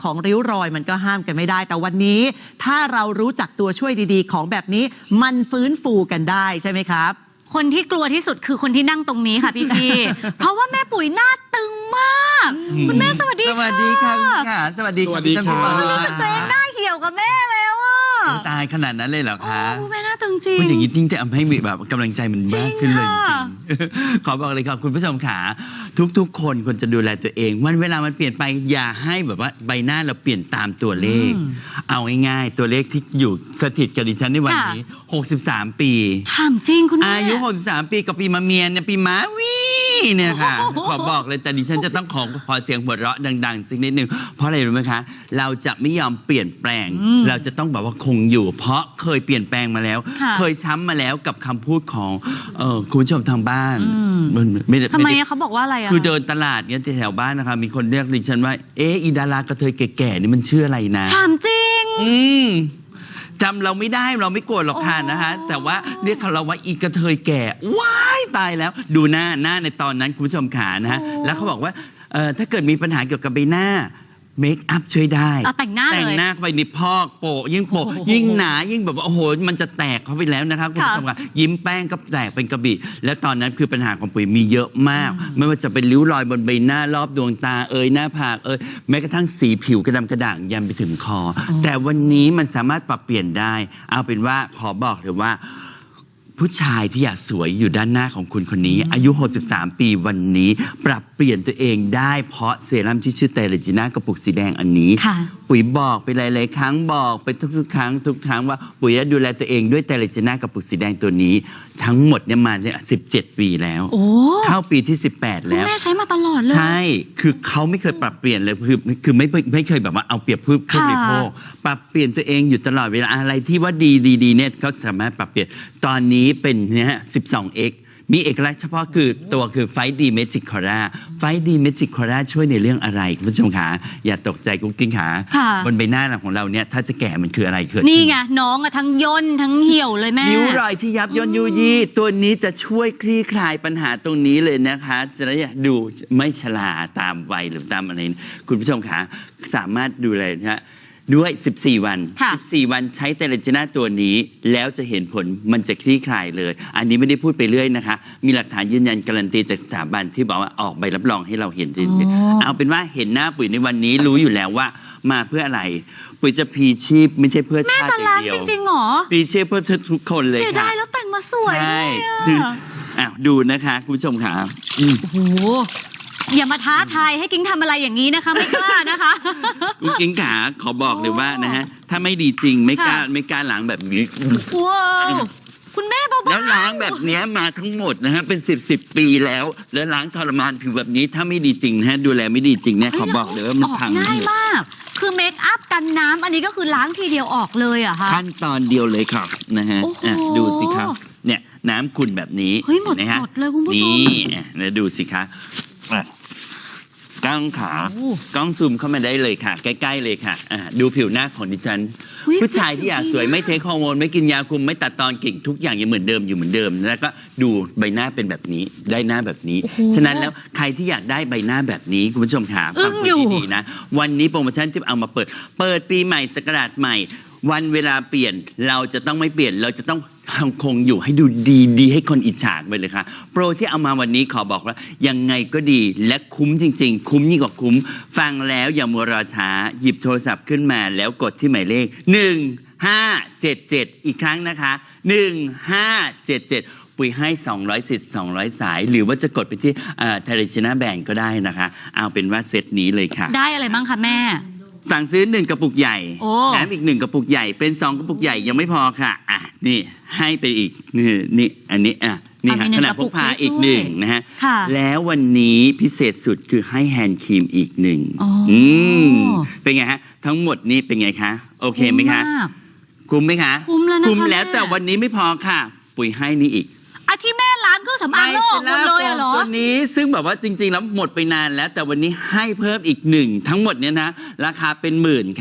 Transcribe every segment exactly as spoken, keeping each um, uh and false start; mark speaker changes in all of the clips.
Speaker 1: ของริ้วรอยมันก็ห้ามกันไม่ได้แต่วันนี้ถ้าเรารู้จักตัวช่วยดีๆของแบบนี้มันฟื้นฟูกันได้ใช่ไหมครับ
Speaker 2: คนที่กลัวที่สุดคือคนที่นั่งตรงนี้ค่ะพี่พี่ เพราะว่าแม่ปุ๋ยหน้าตึงมากคุณแม่สวัสดีค่ะ
Speaker 3: สวัสดีค่ะค่ะสวัสดีค่ะพี่ต้น
Speaker 2: รู้สึกตัวเองหน้าเหี่ยวกับแม่แล้วอ่ะ
Speaker 3: ตายขนาดนั้นเลยเหรอคะ
Speaker 2: โอ้แม่หน้าตึงจริง
Speaker 3: พูดอย่างนี้จริงจะทำให้แบบกำลังใจมันมากขึ้นเลยจริงขอบอกเลยครับคุณผู้ชมขาทุกๆคนควรจะดูแลตัวเองวันเวลามันเปลี่ยนไปอย่าให้แบบว่าใบหน้าเราเปลี่ยนตามตัวเลขเอาง่ายๆตัวเลขที่อยู่สถิตกับดิฉันในวันนี้หกสิบสามปี
Speaker 2: ถามจริงคุณแม่
Speaker 3: อายุหกสิบสามปีกับปีมะเมียนเนี่ยปีม้าวีเนี่ยค่ะขอบอกเลยแต่ดิฉันจะต้องขอขอเสียงหัวเราะดังๆสักนิดนึงเพราะอะไรรู้ไหมคะเราจะไม่ยอมเปลี่ยนแปลงเราจะต้องแบบว่าคงอยู่เพราะเคยเปลี่ยนแปลงมาแล้วเคยช้ำมาแล้วกับคำพูดของคุณผู้ชมทางบ้าน
Speaker 2: ทำไมเขาบอกว่าอะไรอ่ะ
Speaker 3: คือเดินตลาดเนี่ยแถวบ้านนะคะมีคนเรียกดิฉันว่าเอ๊ะอีดารากระเทยแก่ๆนี่มันชื่ออะไรนะ
Speaker 2: ถามจริง
Speaker 3: อืมจำเราไม่ได้เราไม่โกรธหรอกค่ะนะคะแต่ว่าเรียกเราว่าอีกระเทยแก่ว้ายตายแล้วดูหน้าหน้าในตอนนั้นคุณผู้ชมขานะฮะแล้วเขาบอกว่าถ้าเกิดมีปัญหาเกี่ยวกับใบหน้าเมคอัพช่วยได้
Speaker 2: แต่งหน้า
Speaker 3: แต่งหน้าไปนิพอกโปะยิ่งโปะยิ่งหนายิ่งแบบว่าโอ้โหมันจะแตกเข้าไปแล้วนะครับคุณผู้ชมค่ะยิ้มแป้งก็แตกเป็นกระบี่และตอนนั้นคือปัญหาของปุ๋ยมีเยอะมากไม่ว่าจะเป็นริ้วรอยบนใบหน้ารอบดวงตาเอ่ยหน้าผากเอ่ยแม้กระทั่งสีผิวกระดำกระด่างยันไปถึงคอแต่วันนี้มันสามารถปรับเปลี่ยนได้เอาเป็นว่าขอบอกเลยว่าผู้ชายที่อยากสวยอยู่ด้านหน้าของคุณคนนี้อายุหกสิบสามปีวันนี้ปรับเปลี่ยนตัวเองได้เพราะเซรั่มที่ชื่อเตเลจิน่ากระปุกสีแดงอันนี้ปุ๋ยบอกไปหลายๆครั้งบอกไปทุกๆครั้งทุกครั้งว่าปุ๋ยจะดูแลตัวเองด้วยเตเลจิน่ากระปุกสีแดงตัวนี้ทั้งหมดเนี่ยมาเนี่ยสิบเจ็ดปีแล้วเข้าปีที่สิบแปดแล้ว
Speaker 2: แม่ใช้มาตลอดเลย
Speaker 3: ใช่คือเขาไม่เคยปรับเปลี่ยนเลยคือคือไม่ไม่เคยแบบว่าเอาเปรียบผู้ผู้บริโภคปรับเปลี่ยนตัวเองอยู่ตลอดเวลาอะไรที่ว่าดีดีๆเนี่ยเขาสามารถปรับเปลี่ยนตอนนี้เป็นเนี่ยฮะ สิบสองเอ็กซ์ มีเอกลักษณ์เฉพาะคือตัวคือไฟดีเมจิกคอร่าไฟดีเมจิกคอร่าช่วยในเรื่องอะไรคุณผู้ชมขาอย่าตกใจกุ๊กกิ้งขาบนใบหน้าของเราเนี่ยถ้าจะแก่มันคืออะไรคือ
Speaker 2: นี่ไงน้องอะทั้งย่นทั้งเหี่ยวเลยแม่
Speaker 3: นิ้วรอยที่ยับย่นยุยี่ตัวนี้จะช่วยคลี่คลายปัญหาตรงนี้เลยนะคะจะได้ดูไม่ชราตามวัยหรือตามอะไรคุณผู้ชมขาสามารถดูเลยนะด้วยสิบสี่วันสิบสี่วันใช้เตเลจิน่าตัวนี้แล้วจะเห็นผลมันจะคลี่คลายเลยอันนี้ไม่ได้พูดไปเรื่อยนะคะมีหลักฐานยืนยันการันตีจากสถาบันที่บอกว่าออกใบรับรองให้เราเห็นจริงๆเอาเป็นว่าเห็นหน้าปุ๋ยในวันนี้รู้อยู่แล้วว่ามาเพื่ออะไรปุ๋ยจะพีชีพไม่ใช่เพื่อชาติอย่างเดียว
Speaker 2: จริงๆหรอ
Speaker 3: พีชีพเพื่อทุกคนเลยค่ะ
Speaker 2: เสียดายแล้วแต่งมาสวยเลย
Speaker 3: อ่ะดูนะคะคุณผู้ชมค่ะ
Speaker 2: โอ้โหอย่ามาท้าทายให้กิ้งทำอะไรอย่างนี้นะคะไม่กล้านะคะ
Speaker 3: คุณกิ้งขาขอบอกเลยว่านะฮะถ้าไม่ดีจริงไม่กล้าไม่กล้าล้างแบบนี้
Speaker 2: ว้าวคุณแม่เบาๆ
Speaker 3: แล้วล้างแบบนี้มาทั้งหมดนะฮะเป็นสิบสิบปีแล้วแล้วล้างทรมานผิวแบบนี้ถ้าไม่ดีจริงนะฮะดูแลไม่ดีจริงเนี่ยขอบอกเลยว่ามันพัง
Speaker 2: ง่ายมากคือเมคอัพกันน้ำอันนี้ก็คือล้างทีเดียวออกเลยอะค่ะ
Speaker 3: ขั้นตอนเดียวเลยครับนะฮะดูสิครับเนี่ยน้ำขุ่นแบบนี้
Speaker 2: เฮ้ยหมดหมดเลยคุณผู้ชม
Speaker 3: นี่นะดูสิคะกล้องขากล้องซูมเข้ามาได้เลยค่ะใกล้ๆเลยค่ะดูผิวหน้าของดิฉันผู้ชายที่อยากสวยไม่เทคฮอร์โมนไม่กินยาคุมไม่ตัดตอนกิ่งทุกอย่างยังเหมือนเดิมอยู่เหมือนเดิมแล้วก็ดูใบหน้าเป็นแบบนี้ได้หน้าแบบนี้ฉะนั้นแล้วใครที่อยากได้ใบหน้าแบบนี้คุณผู้ชมค่ะฟังดีๆนะวันนี้โปรโมชั่นที่เอามาเปิดเปิดปีใหม่ศักราชใหม่วันเวลาเปลี่ยนเราจะต้องไม่เปลี่ยนเราจะต้องคงอยู่ให้ดูดีดีให้คนอิจฉาไปเลยค่ะโปรที่เอามาวันนี้ขอบอกว่ายังไงก็ดีและคุ้มจริงๆคุ้มยิ่งกว่าคุ้มฟังแล้วอย่ามัวรอช้าหยิบโทรศัพท์ขึ้นมาแล้วกดที่หมายเลขหนึ่งห้าเจ็ดเจ็ดอีกครั้งนะคะหนึ่งห้าเจ็ดเจ็ดปุ๋ยให้สองร้อยสิทธิ์สองร้อยสายหรือว่าจะกดไปที่เทเลจิน่าแบงก์ก็ได้นะคะเอาเป็นว่าเซตนี้เลยค่ะ
Speaker 2: ได้อะไรบ้างคะแม่
Speaker 3: สั่งซื้อหนึ่งกระปุกใหญ่แถมอีกหนึ่งกระปุกใหญ่เป็นสองกระปุกใหญ่ยังไม่พอค่ะอ่ะนี่ให้ไปอีกนี่นี่อันนี้อ่ะนี่ค่ะขนาดพกพาอีกหนึ่งนะฮะแล้ววันนี้พิเศษสุดคือให้แฮนด์ครีมอีกหนึ่งอืมเป็นไงฮะทั้งหมดนี้เป็นไงคะโอเคไหมคะคุ้มไหมคะ
Speaker 2: คุ้มแล้วนะ
Speaker 3: คุ้มแล้วแต่วันนี้ไม่พอค่ะปุ๋ยให้นี่อีก
Speaker 2: อาที่แม่ล้างเครื่องสำอางโลกหมดเลยเหรอ
Speaker 3: ตัวนี้ซึ่งแบบว่าจริงๆแล้วหมดไปนานแล้วแต่วันนี้ให้เพิ่มอีกหนึ่งทั้งหมดเนี้ยนะราคาเป็นหมื่นค่ะ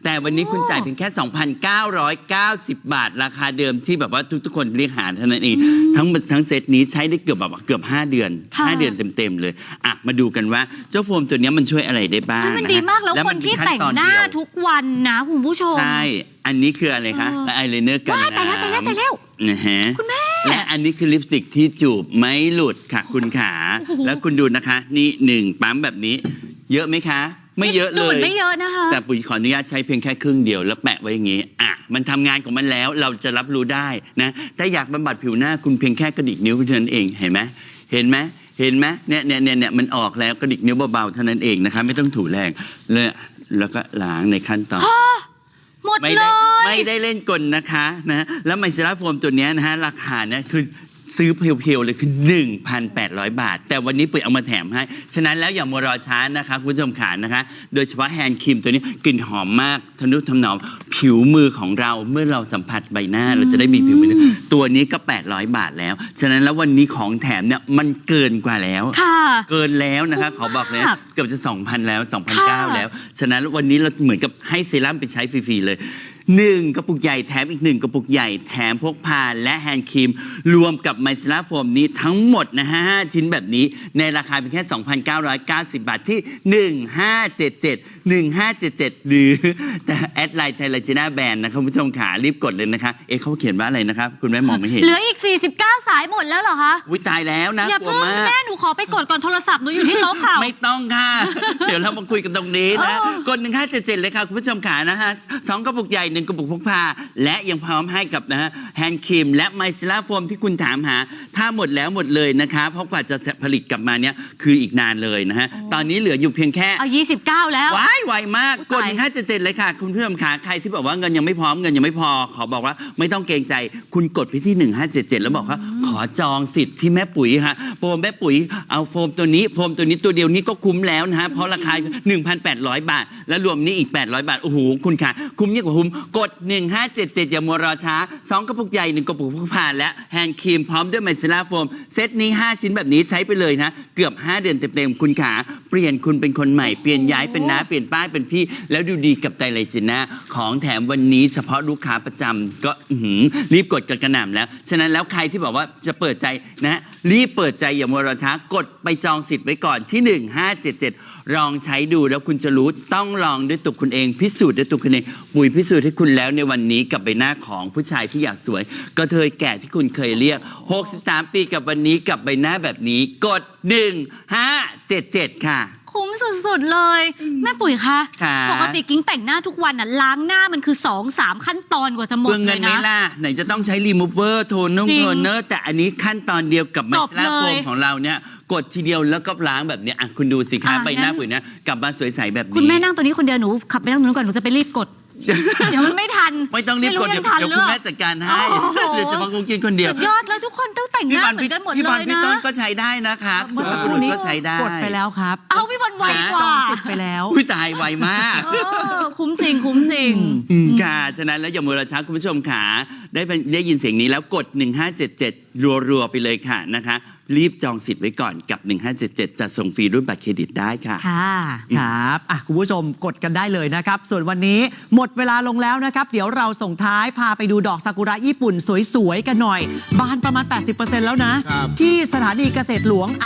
Speaker 3: แต่วันนี้คุณจ่ายเพียงแค่ สองพันเก้าร้อยเก้าสิบ บาทราคาเดิมที่แบบว่าทุกๆคนเรียกหาเท่านั้นเองทั้งทั้งเซตนี้ใช้ได้เกือบแบบว่าเกือบห้าเดือน
Speaker 2: ค่ะ
Speaker 3: ห้าเดือนเต็มๆเลยอ่ะมาดูกันว่าเจ้าโฟมตัวเนี้ยมันช่วยอะไรได้บ้าง
Speaker 2: เฮ้ยมัน
Speaker 3: นะ
Speaker 2: ดี
Speaker 3: ฮะ
Speaker 2: มากแล้ว
Speaker 3: และ
Speaker 2: ค
Speaker 3: มัน
Speaker 2: ที่
Speaker 3: ขั้
Speaker 2: แต่ง
Speaker 3: ตอ
Speaker 2: หน้า
Speaker 3: เดียว
Speaker 2: ทุกวันนะคุณผู้ชม
Speaker 3: ใช่ อันนี้คืออะไรคะ
Speaker 2: เออ
Speaker 3: และอายไลเนอร์กัน
Speaker 2: ว้ายตายแล้วตายแล้วตายแล้ว
Speaker 3: นะฮะ
Speaker 2: คุณแม่
Speaker 3: และอันนี้คือลิปสติกที่จูบไม่หลุดค่ะคุณขา
Speaker 2: โอ้โห
Speaker 3: แล้วคุณดูนะคะ นี่หนึ่งปั๊มแบบนี้ เยอะไหมคะ ไม่เยอะเล
Speaker 2: ดูหมื
Speaker 3: ย
Speaker 2: นไม่เยอะนะคะ
Speaker 3: แต่ปุ๋ยขออนุญาตใช้เพียงแค่ครึ่งเดียวแล้วแปะไว้อย่างนี้ อ่ะ มันทำงานของมันแล้วเราจะรับรู้ได้นะ ถ้าอยากบำบัดผิวหน้าคุณเพียงแค่กระดิกนิ้วเท่านั้นเอง เห็นไหม เห็นไหม เห็นไหมเนี่ยเนี่ยเนี่ยเนี่ยมันออกแล้วกระดิกนิ้วเบาๆเท่านั้นเองนะคะ ไม่ต้องถูแรงเลยแล้วก็ล้างในขั้นตอน
Speaker 2: หมด
Speaker 3: ไม่
Speaker 2: เล
Speaker 3: ได้
Speaker 2: ย
Speaker 3: ไม่ได้เล่นกลนะคะนะแล้วไมซิล่าโฟมตัวเนี้ยนะฮะราคาเนี่ยคือซื้อเพียวๆเลยคือ หนึ่งพันแปดร้อย บาท แต่วันนี้ปุ๋ยเอามาแถมให้ ฉะนั้นแล้วอย่ามัวรอช้านะคะคุณผู้ชมขานะคะ โดยเฉพาะแฮนด์ครีมตัวนี้กลิ่นหอมมากทะนุถนอมผิวมือของเราเมื่อเราสัมผัสใบหน้าเราจะได้มีผิวมือตัวนี้ก็ แปดร้อย บาทแล้ว ฉะนั้นแล้ววันนี้ของแถมเนี่ยมันเกินกว่าแล้ว
Speaker 2: ค่ะ
Speaker 3: เกินแล้วนะคะขอบอกเลยนะเกือบจะ สองพัน แล้ว สองพันเก้า
Speaker 2: ค่ะ
Speaker 3: แล้ว ฉะนั้นวันนี้เราเหมือนกับให้เซรั่มไปใช้ฟรีๆเลยหนึ่งกระปุกใหญ่แถมอีกหนึ่งกระปุกใหญ่แถมพกพาและแฮนด์ครีม รวมกับไมซิล่าโฟมนี้ทั้งหมดนะฮะห้าชิ้นแบบนี้ในราคาเพียงแค่ สองพันเก้าร้อยเก้าสิบ บาทที่ หนึ่งห้าเจ็ดเจ็ด หนึ่งห้าเจ็ดเจ็ด หรือแต่แอดไลน์ไทยลาจีน่าแบรนด์นะครับคุณผู้ชมขารีบกดเลยนะคะเอ๊ะเขาเขียนว่าอะไรนะครับคุณแม่มองไม่เห็น
Speaker 2: เหลืออีก สี่สิบเก้า สายหมดแล้วเหรอคะ
Speaker 3: วิตายแล้วนะ
Speaker 2: อย่าก
Speaker 3: ลัว
Speaker 2: เพิ่ง
Speaker 3: มาก
Speaker 2: แม่หนูขอไปกดก่อนโทรศัพท์หนูอยู่ที่โต๊ะข่าว
Speaker 3: ไม่ต้องค่ะ เดี๋ยวเรามาคุยกันตรงนี้นะ
Speaker 2: เออก
Speaker 3: ดหนึ่งห้าเจ็ดเจ็ดเลยค่ะ คุณผู้ชมขานะฮะสองกระปุกใหญ่หนึ่งกระปุกพกพา และยังพร้อมให้กับนะฮะแฮนด์ครีมและไมซิล่าโฟมที่คุณถามหา ถ้าหมดแล้วหมดเลยนะคะ เพราะกว่าจะผลิตกลับมาเนี่ยคืออีกนานเลยนะฮะ ตอนนี้เหลืออยู่เพียงแค่
Speaker 2: เอายี่สิบเก้าแล้ว
Speaker 3: ว้ายไวมาก
Speaker 2: อุ๊ย
Speaker 3: กด
Speaker 2: ตาย
Speaker 3: หนึ่งห้าเจ็ดเจ็ดเลยค่ะ คุณผู้ชมขาใครที่บอกว่าเงินยังไม่พร้อมเงินยังไม่พอ ขอบอกว่าไม่ต้องเกรงใจ คุณกดไปที่หนึ่งห้าเจ็ดเจ็ดแล้วบอกว่าขอจองสิทธิ์ที่แม่ปุ๋ยค่ะโฟมแม่ปุ๋ยเอาโฟมตัวนี้โฟมตัวนี้ตัวเดียวนี้ก็คุ้มแล้วนะฮะเพราะราคา หนึ่งพันแปดร้อย บาท แล้วรวมนี้อีก แปดร้อย บาท โอ้โห คุณค่ะ คุ้มยิ่งกว่าคุ้ม กด หนึ่งห้าเจ็ดเจ็ด อย่ามัวรอช้า สอง กระปุกใหญ่ หนึ่ง กระปุกพกพาและแฮนด์ครีมพร้อมด้วยไมซิล่าโฟม เซตนี้ ห้า ชิ้นแบบนี้ใช้ไปเลยนะ เกือบ ห้า เดือนเต็มๆ คุณขา เปลี่ยนคุณเป็นคนใหม่ เปลี่ยนย้ายเป็นน้า เปลี่ยนป้ายเป็นพี่ แล้วดูดีกับไตรไลจิน่าของแถมวันนี้เฉพาะลูกค้าประจำก็อื้อหือรีบกดกันกระหน่ำแล้ว ฉะนั้นแล้วใครที่บอกว่าจะเปิดใจนะ รีบเปิดใจอย่ามัวรอช้ากดไปจองสิทธิ์ไว้ก่อนที่ หนึ่งห้าเจ็ดเจ็ด ลองใช้ดูแล้วคุณจะรู้ต้องลองด้วยตัวคุณเองพิสูจน์ด้วยตัวคุณเองปุ๋ยพิสูจน์ให้คุณแล้วในวันนี้กับใบหน้าของผู้ชายที่อยากสวยกระเทยแก่ที่คุณเคยเรียกหกสิบสามปีกับวันนี้กับใบหน้าแบบนี้กดหนึ่งห้าเจ็ดเจ็ดค่ะ
Speaker 2: คุ้มสุดๆเลย แม่ปุ๋ยคะ
Speaker 3: ค่ะ
Speaker 2: ปกติกิ้งแต่งหน้าทุกวันน่ะล้างหน้ามันคือ สองสาม ขั้นตอนกว่าจะหมด
Speaker 3: เพื่อ
Speaker 2: เล
Speaker 3: เงิน
Speaker 2: ย
Speaker 3: ไหม่
Speaker 2: นะ
Speaker 3: ล่ะไหนจะต้องใช้รีมูเวอร์โทนนุ่ง
Speaker 2: จริง
Speaker 3: โทนเนอร์แต่อันนี้ขั้นตอนเดียวกับไม
Speaker 2: จบ
Speaker 3: ซิล่าโฟ
Speaker 2: เล
Speaker 3: ม
Speaker 2: ย
Speaker 3: ของเราเนี่ยกดทีเดียวแล้วก็ล้างแบบเนี้ยอ่ะคุณดูสิคะ
Speaker 2: อ่ะ
Speaker 3: ใบหน้า
Speaker 2: งั้น
Speaker 3: ปุ๋ยเนี่ยกลับมาสวยใสแบบนี้
Speaker 2: คุณแม่นั่งตัวนี้คนเดียวหนูขับไปนั่งตรงนู้นก่อนหนูจะไปรีบกด เดี๋ยวมันไม่ทัน
Speaker 3: ไม่ต้องรีบกดเดี๋ยว
Speaker 2: ไม่
Speaker 3: เดี๋ยว
Speaker 2: รู้
Speaker 3: คุณ
Speaker 2: ยังทัน
Speaker 3: แม่จัดการให้
Speaker 2: โอ้โห
Speaker 3: เดี๋ยวจะมากุงกินคนเดียว
Speaker 2: สุดยอดเลยทุกคนต้องแต่งห
Speaker 3: พี่
Speaker 2: น้า
Speaker 3: บอล
Speaker 2: เหมื
Speaker 3: พี่
Speaker 2: อนกันหมด
Speaker 3: พี่บ
Speaker 2: เล
Speaker 3: อล
Speaker 2: ย
Speaker 3: พี่
Speaker 2: นะ
Speaker 3: ต้นก็ใช้ได้นะครับ
Speaker 1: เมื่อ
Speaker 3: สุ
Speaker 1: สัก
Speaker 3: ภาพ
Speaker 1: ค
Speaker 3: บุ
Speaker 1: รู่
Speaker 3: รุษ
Speaker 1: นี้
Speaker 3: ก็ใช้ได้
Speaker 1: กดไปแล้วครับ
Speaker 2: เอาพี่บอลไวก
Speaker 1: จอ
Speaker 2: ว่า
Speaker 1: งสิทธิ์ไปแล้ว
Speaker 3: อุ้ยตายไวมาก
Speaker 2: เออคุ้มจริงคุ้มจริง
Speaker 3: อืมค่ะ ฉะนั้นแล้วอย่ามัวรอช้าคุณผู้ชมขาได้เป็นได้ยินเสียงนี้แล้วกด หนึ่งห้าเจ็ดเจ็ด รัวๆ ไปเลยค่ะนะคะ รีบจองสิทธิ์ไว้ก่อนกับ หนึ่งห้าเจ็ดเจ็ด จะส่งฟรีด้วยบัตรเครดิตได้ค่ะ
Speaker 2: ค่ะ
Speaker 1: ครับอ่ะคุณผู้ชมกดกันได้เลยนะครับ ส่วนวันนี้หมดเวลาลงแล้วนะครับ เดี๋ยวเราส่งท้ายพาไปดูดอกซากุระญี่ปุ่นสวยๆ กันหน่อย บานประมาณ แปดสิบเปอร์เซ็นต์ แล้วนะ
Speaker 4: ครับ
Speaker 1: ที่สถานีเกษตรหลวง